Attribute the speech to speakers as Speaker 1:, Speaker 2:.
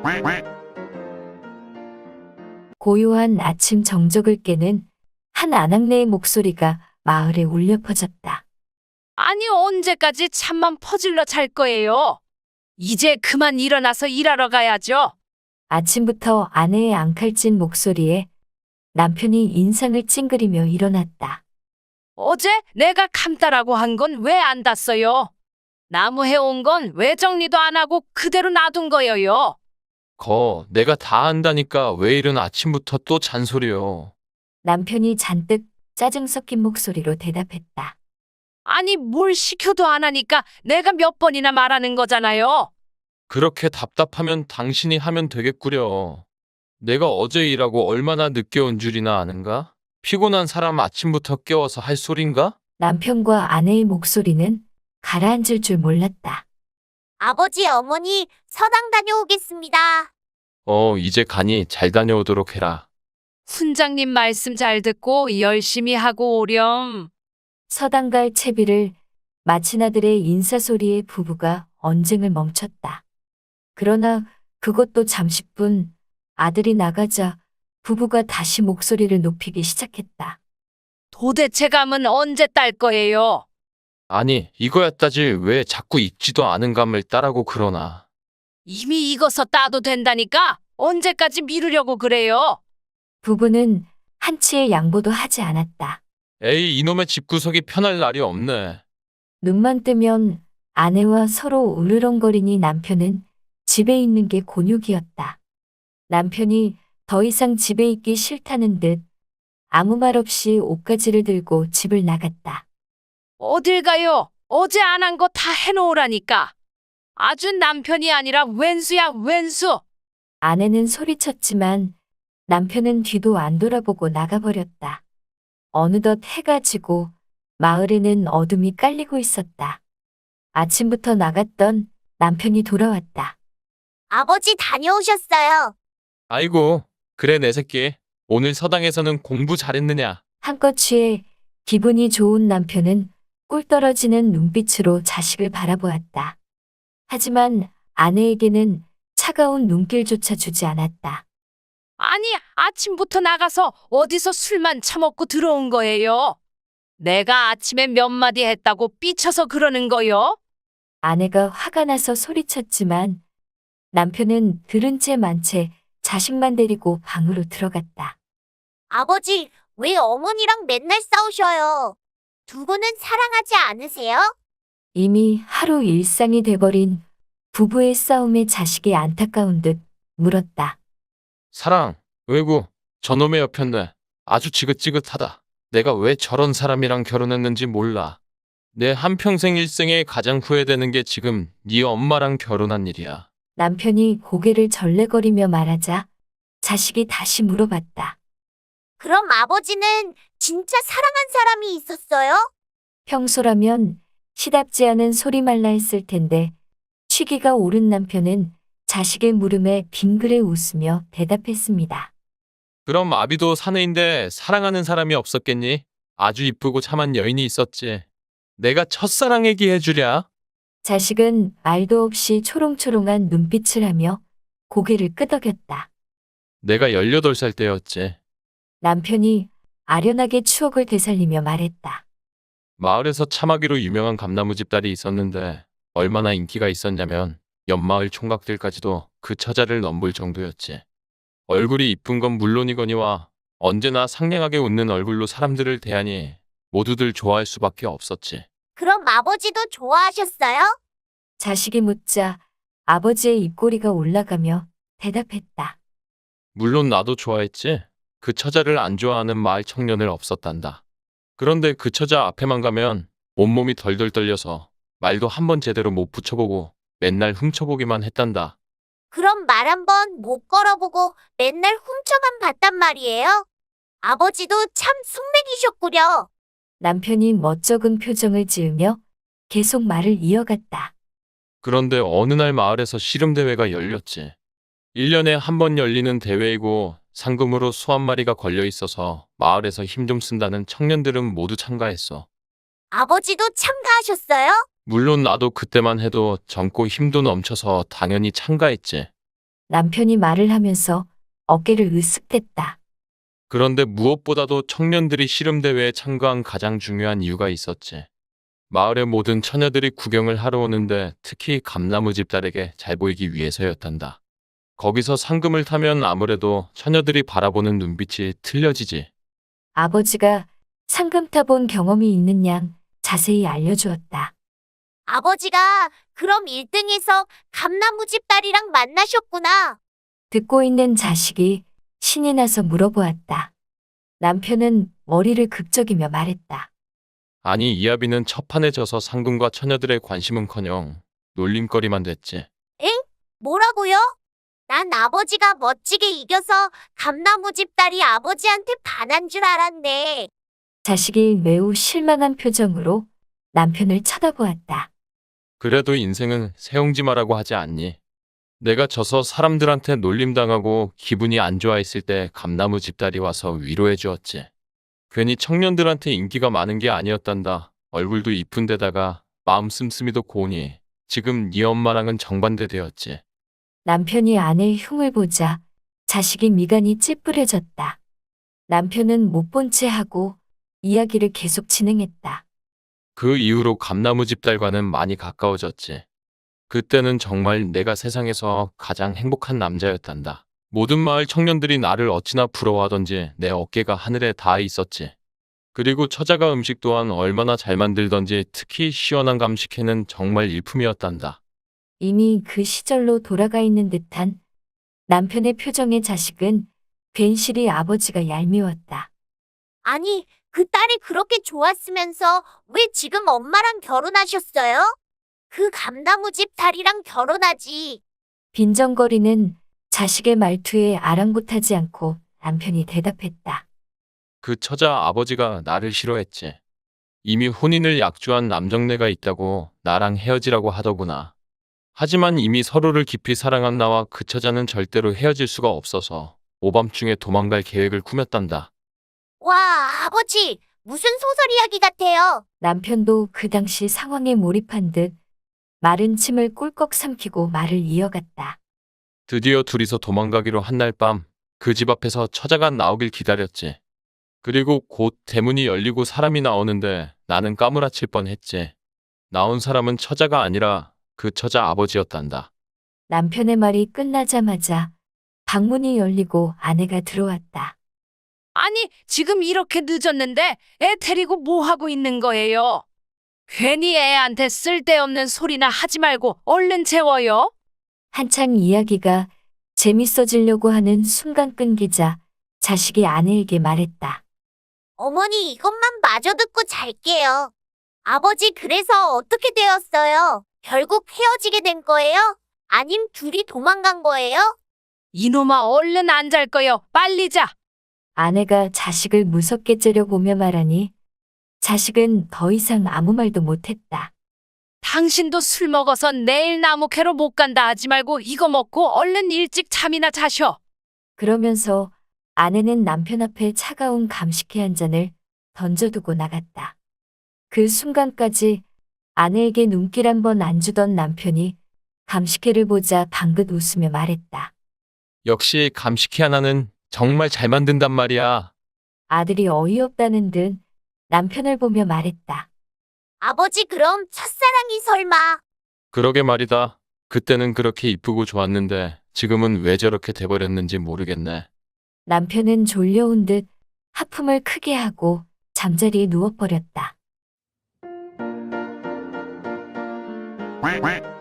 Speaker 1: 고요한 아침 정적을 깨는 한 아낙네의 목소리가 마을에 울려 퍼졌다.
Speaker 2: 아니, 언제까지 잠만 퍼질러 잘 거예요? 이제 그만 일어나서 일하러 가야죠.
Speaker 1: 아침부터 아내의 앙칼진 목소리에 남편이 인상을 찡그리며 일어났다.
Speaker 2: 어제 내가 감따라고 한 건 왜 안 땄어요? 나무 해온 건 왜 정리도 안 하고 그대로 놔둔 거예요?
Speaker 3: 내가 다 한다니까 왜 이른 아침부터 또 잔소리요.
Speaker 1: 남편이 잔뜩 짜증 섞인 목소리로 대답했다.
Speaker 2: 아니, 뭘 시켜도 안 하니까 내가 몇 번이나 말하는 거잖아요.
Speaker 3: 그렇게 답답하면 당신이 하면 되겠구려. 내가 어제 일하고 얼마나 늦게 온 줄이나 아는가? 피곤한 사람 아침부터 깨워서 할 소린가?
Speaker 1: 남편과 아내의 목소리는 가라앉을 줄 몰랐다.
Speaker 4: 아버지, 어머니, 서당 다녀오겠습니다.
Speaker 3: 이제 가니 잘 다녀오도록 해라.
Speaker 2: 훈장님 말씀 잘 듣고 열심히 하고 오렴.
Speaker 1: 서당 갈 채비를 마친 아들의 인사소리에 부부가 언쟁을 멈췄다. 그러나 그것도 잠시뿐. 아들이 나가자 부부가 다시 목소리를 높이기 시작했다.
Speaker 2: 도대체 감은 언제 딸 거예요?
Speaker 3: 아니, 이거야 따지 왜 자꾸 익지도 않은 감을 따라고 그러나.
Speaker 2: 이미 익어서 따도 된다니까 언제까지 미루려고 그래요?
Speaker 1: 부부는 한치의 양보도 하지 않았다.
Speaker 3: 에이, 이놈의 집구석이 편할 날이 없네.
Speaker 1: 눈만 뜨면 아내와 서로 으르렁거리니 남편은 집에 있는 게 곤욕이었다. 남편이 더 이상 집에 있기 싫다는 듯 아무 말 없이 옷가지를 들고 집을 나갔다.
Speaker 2: 어딜 가요? 어제 안 한 거 다 해놓으라니까. 아주 남편이 아니라 왼수야, 왼수.
Speaker 1: 아내는 소리쳤지만 남편은 뒤도 안 돌아보고 나가버렸다. 어느덧 해가 지고 마을에는 어둠이 깔리고 있었다. 아침부터 나갔던 남편이 돌아왔다.
Speaker 4: 아버지 다녀오셨어요.
Speaker 3: 아이고, 그래 내 새끼. 오늘 서당에서는 공부 잘했느냐?
Speaker 1: 한껏 취해 기분이 좋은 남편은 꿀 떨어지는 눈빛으로 자식을 바라보았다. 하지만 아내에게는 차가운 눈길조차 주지 않았다.
Speaker 2: 아니, 아침부터 나가서 어디서 술만 처먹고 들어온 거예요? 내가 아침에 몇 마디 했다고 삐쳐서 그러는 거요?
Speaker 1: 아내가 화가 나서 소리쳤지만 남편은 들은 채 만 채 자식만 데리고 방으로 들어갔다.
Speaker 4: 아버지, 왜 어머니랑 맨날 싸우셔요? 두 분은 사랑하지 않으세요?
Speaker 1: 이미 하루 일상이 돼버린 부부의 싸움에 자식이 안타까운 듯 물었다.
Speaker 3: 사랑, 왜구, 저놈의 옆였네. 아주 지긋지긋하다. 내가 왜 저런 사람이랑 결혼했는지 몰라. 내 한평생 일생에 가장 후회되는 게 지금 네 엄마랑 결혼한 일이야.
Speaker 1: 남편이 고개를 절레거리며 말하자 자식이 다시 물어봤다.
Speaker 4: 그럼 아버지는 진짜 사랑한 사람이 있었어요?
Speaker 1: 평소라면 시답지 않은 소리말라 했을 텐데 취기가 오른 남편은 자식의 물음에 빙그레 웃으며 대답했습니다.
Speaker 3: 그럼 아비도 사내인데 사랑하는 사람이 없었겠니? 아주 이쁘고 참한 여인이 있었지. 내가 첫사랑 얘기해주랴.
Speaker 1: 자식은 말도 없이 초롱초롱한 눈빛을 하며 고개를 끄덕였다.
Speaker 3: 내가 18살 때였지.
Speaker 1: 남편이 아련하게 추억을 되살리며 말했다.
Speaker 3: 마을에서 참하기로 유명한 감나무집 딸이 있었는데 얼마나 인기가 있었냐면 옆마을 총각들까지도 그 처자를 넘볼 정도였지. 얼굴이 이쁜 건 물론이거니와 언제나 상냥하게 웃는 얼굴로 사람들을 대하니 모두들 좋아할 수밖에 없었지.
Speaker 4: 그럼 아버지도 좋아하셨어요?
Speaker 1: 자식이 묻자 아버지의 입꼬리가 올라가며 대답했다.
Speaker 3: 물론 나도 좋아했지. 그 처자를 안 좋아하는 마을 청년을 없었단다. 그런데 그 처자 앞에만 가면 온몸이 덜덜 떨려서 말도 한번 제대로 못 붙여보고 맨날 훔쳐보기만 했단다.
Speaker 4: 그럼 말 한 번 못 걸어보고 맨날 훔쳐만 봤단 말이에요? 아버지도 참 숙맥이셨구려.
Speaker 1: 남편이 멋쩍은 표정을 지으며 계속 말을 이어갔다.
Speaker 3: 그런데 어느 날 마을에서 씨름대회가 열렸지. 1년에 한 번 열리는 대회이고 상금으로 소 한 마리가 걸려 있어서 마을에서 힘 좀 쓴다는 청년들은 모두 참가했어.
Speaker 4: 아버지도 참가하셨어요?
Speaker 3: 물론 나도 그때만 해도 젊고 힘도 넘쳐서 당연히 참가했지.
Speaker 1: 남편이 말을 하면서 어깨를 으쓱댔다.
Speaker 3: 그런데 무엇보다도 청년들이 씨름대회에 참가한 가장 중요한 이유가 있었지. 마을의 모든 처녀들이 구경을 하러 오는데 특히 감나무집 딸에게 잘 보이기 위해서였단다. 거기서 상금을 타면 아무래도 처녀들이 바라보는 눈빛이 틀려지지.
Speaker 1: 아버지가 상금 타본 경험이 있는 양 자세히 알려주었다.
Speaker 4: 아버지가 그럼 1등에서 감나무집 딸이랑 만나셨구나.
Speaker 1: 듣고 있는 자식이 신이 나서 물어보았다. 남편은 머리를 극적이며 말했다.
Speaker 3: 아니 이하비는 첫판에 져서 상금과 처녀들의 관심은커녕 놀림거리만 됐지.
Speaker 4: 뭐라고요? 난 아버지가 멋지게 이겨서 감나무집 딸이 아버지한테 반한 줄 알았네.
Speaker 1: 자식이 매우 실망한 표정으로 남편을 쳐다보았다.
Speaker 3: 그래도 인생은 세옹지마라고 하지 않니? 내가 져서 사람들한테 놀림당하고 기분이 안 좋아했을 때 감나무 집딸이 와서 위로해 주었지. 괜히 청년들한테 인기가 많은 게 아니었단다. 얼굴도 이쁜 데다가 마음 씀씀이도 고우니 지금 네 엄마랑은 정반대 되었지.
Speaker 1: 남편이 아내의 흉을 보자 자식이 미간이 찌푸려졌다. 남편은 못 본 채 하고 이야기를 계속 진행했다.
Speaker 3: 그 이후로 감나무 집딸과는 많이 가까워졌지. 그때는 정말 내가 세상에서 가장 행복한 남자였단다. 모든 마을 청년들이 나를 어찌나 부러워하던지 내 어깨가 하늘에 닿아 있었지. 그리고 처자가 음식 또한 얼마나 잘 만들던지 특히 시원한 감식회는 정말 일품이었단다.
Speaker 1: 이미 그 시절로 돌아가 있는 듯한 남편의 표정의 자식은 괜시리 아버지가 얄미웠다.
Speaker 4: 아니, 그 딸이 그렇게 좋았으면서 왜 지금 엄마랑 결혼하셨어요? 그 감나무집 딸이랑 결혼하지.
Speaker 1: 빈정거리는 자식의 말투에 아랑곳하지 않고 남편이 대답했다.
Speaker 3: 그 처자 아버지가 나를 싫어했지. 이미 혼인을 약주한 남정네가 있다고 나랑 헤어지라고 하더구나. 하지만 이미 서로를 깊이 사랑한 나와 그 처자는 절대로 헤어질 수가 없어서 오밤중에 도망갈 계획을 꾸몄단다.
Speaker 4: 와, 아버지, 무슨 소설 이야기 같아요.
Speaker 1: 남편도 그 당시 상황에 몰입한 듯 마른 침을 꿀꺽 삼키고 말을 이어갔다.
Speaker 3: 드디어 둘이서 도망가기로 한 날 밤 그 집 앞에서 처자가 나오길 기다렸지. 그리고 곧 대문이 열리고 사람이 나오는데 나는 까무라칠 뻔했지. 나온 사람은 처자가 아니라 그 처자 아버지였단다.
Speaker 1: 남편의 말이 끝나자마자 방문이 열리고 아내가 들어왔다.
Speaker 2: 아니, 지금 이렇게 늦었는데 애 데리고 뭐 하고 있는 거예요? 괜히 애한테 쓸데없는 소리나 하지 말고 얼른 재워요.
Speaker 1: 한창 이야기가 재밌어지려고 하는 순간 끊기자 자식이 아내에게 말했다.
Speaker 4: 어머니 이것만 마저 듣고 잘게요. 아버지 그래서 어떻게 되었어요? 결국 헤어지게 된 거예요? 아님 둘이 도망간 거예요?
Speaker 2: 이놈아 얼른 안 잘 거요. 빨리 자.
Speaker 1: 아내가 자식을 무섭게 째려보며 말하니 자식은 더 이상 아무 말도 못했다.
Speaker 2: 당신도 술 먹어서 내일 나무캐로 못 간다 하지 말고 이거 먹고 얼른 일찍 잠이나 자셔.
Speaker 1: 그러면서 아내는 남편 앞에 차가운 감식회 한 잔을 던져두고 나갔다. 그 순간까지 아내에게 눈길 한 번 안 주던 남편이 감식회를 보자 방긋 웃으며 말했다.
Speaker 3: 역시 감식회 하나는 정말 잘 만든단 말이야.
Speaker 1: 아들이 어이없다는 듯 남편을 보며 말했다.
Speaker 4: 아버지 그럼 첫사랑이 설마.
Speaker 3: 그러게 말이다. 그때는 그렇게 이쁘고 좋았는데 지금은 왜 저렇게 돼버렸는지 모르겠네.
Speaker 1: 남편은 졸려온 듯 하품을 크게 하고 잠자리에 누워버렸다.
Speaker 5: quack quack